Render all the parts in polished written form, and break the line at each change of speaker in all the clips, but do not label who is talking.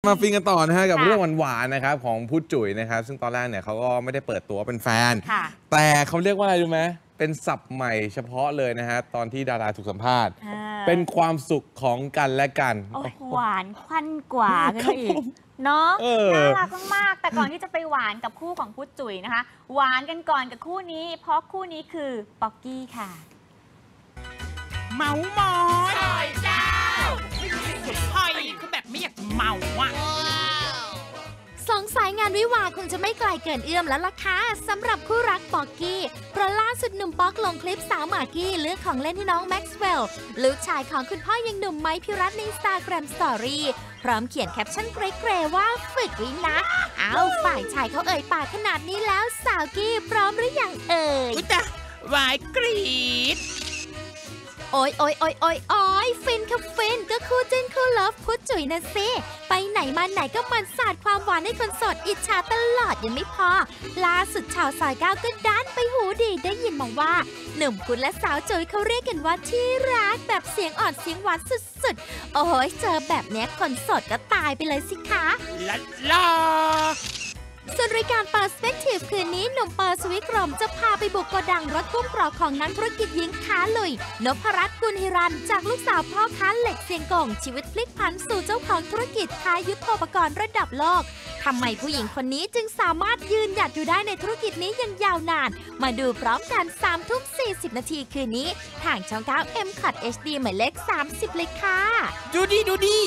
มาฟินกันต่อนะฮะกับเรื่องหวานๆนะครับของพุทธจุ๋ยนะครับซึ่งตอนแรกเนี่ยเขาก็ไม่ได้เปิดตัวเป็นแฟนแต่เขาเรียกว่าอะไรรู้ไหมเป็นศัพท์ใหม่เฉพาะเลยนะฮะตอนที่ดาราถูกสัมภาษณ์เป็นความสุขของกันและกัน
หวานควันกว่ากันอีกเนาะน่ารักมากๆแต่ก่อนที่จะไปหวานกับคู่ของพุทธจุ๋ยนะคะหวานกันก่อนกับคู่นี้เพราะคู่นี้คือป๊อกกี้ค่ะ
เมามอยซอยเจ้าเฮ้ยคือแบบไม่อยากจะเมาอ่ะ
สงสัยงานวิวาคงจะไม่ไกลเกินเอื้อมแล้วล่ะค่ะสำหรับคู่รักป๊อกกี้เพราะล่าสุดหนุ่มป๊อกลงคลิปสาวหมากกี้เลือกของเล่นให้น้องแม็กซ์เวลล์ลูกชายของคุณพ่อยังหนุ่มไมค์พิรัตน์ใน Instagram Story พร้อมเขียนแคปชั่นเกรๆว่าฝึกวินะฝ่ายชายเขาเอ่ยปากขนาดนี้แล้วสาวกี้พร้อมหรือยังเอ่ย
อุ๊ยจ้ะวายกรี๊ด
โอ้ยฟินค่ะฟินก็คู่จิ้นคู่เลิฟพุทธจุ๋ยนะสิไปไหนมาไหนก็มันสาดความหวานให้คนโสดอิจฉาตลอดยังไม่พอล่าสุดชาวซอย9ก็ดันไปหูดีได้ยินมาว่าหนุ่มพุทธและสาวจุ๋ยเขาเรียกกันว่าที่รักแบบเสียงอ่อนเสียงหวานสุดๆโอ้โหเจอแบบนี้คนโสดก็ตายไปเลยสิคะ
ลา
ส่วนรายการ Perspective คืนนี้หนุ่มเปอร์สวิกรมจะพาไปบุกโกดังรถกุ้งกรอบของนักธุรกิจหญิงค้าลุยนพรัตน์กุลฮิรันจากลูกสาวพ่อค้าเหล็กเซียงกงชีวิตพลิกผันสู่เจ้าของธุรกิจค้ายุทโธปกรณ์ระดับโลกทำไมผู้หญิงคนนี้จึงสามารถยืนหยัดอยู่ได้ในธุรกิจนี้อย่างยาวนานมาดูพร้อมกัน3:40 นาทีคืนนี้ทางช่อง9 MCOT HD หมายเลข30เลยค่ะ
ดูดี
ต้องดู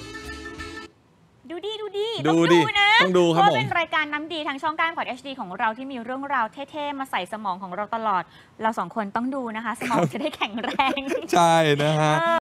นะ
ต้องดูครับผม
เป็นรายการน้ำดีทางช่อง9 MCOT HD ของเราที่มีเรื่องราวเท่ๆมาใส่สมองของเราตลอดเรา2คนต้องดูนะคะสมองจะได้แข็งแรง
ใช่นะฮะ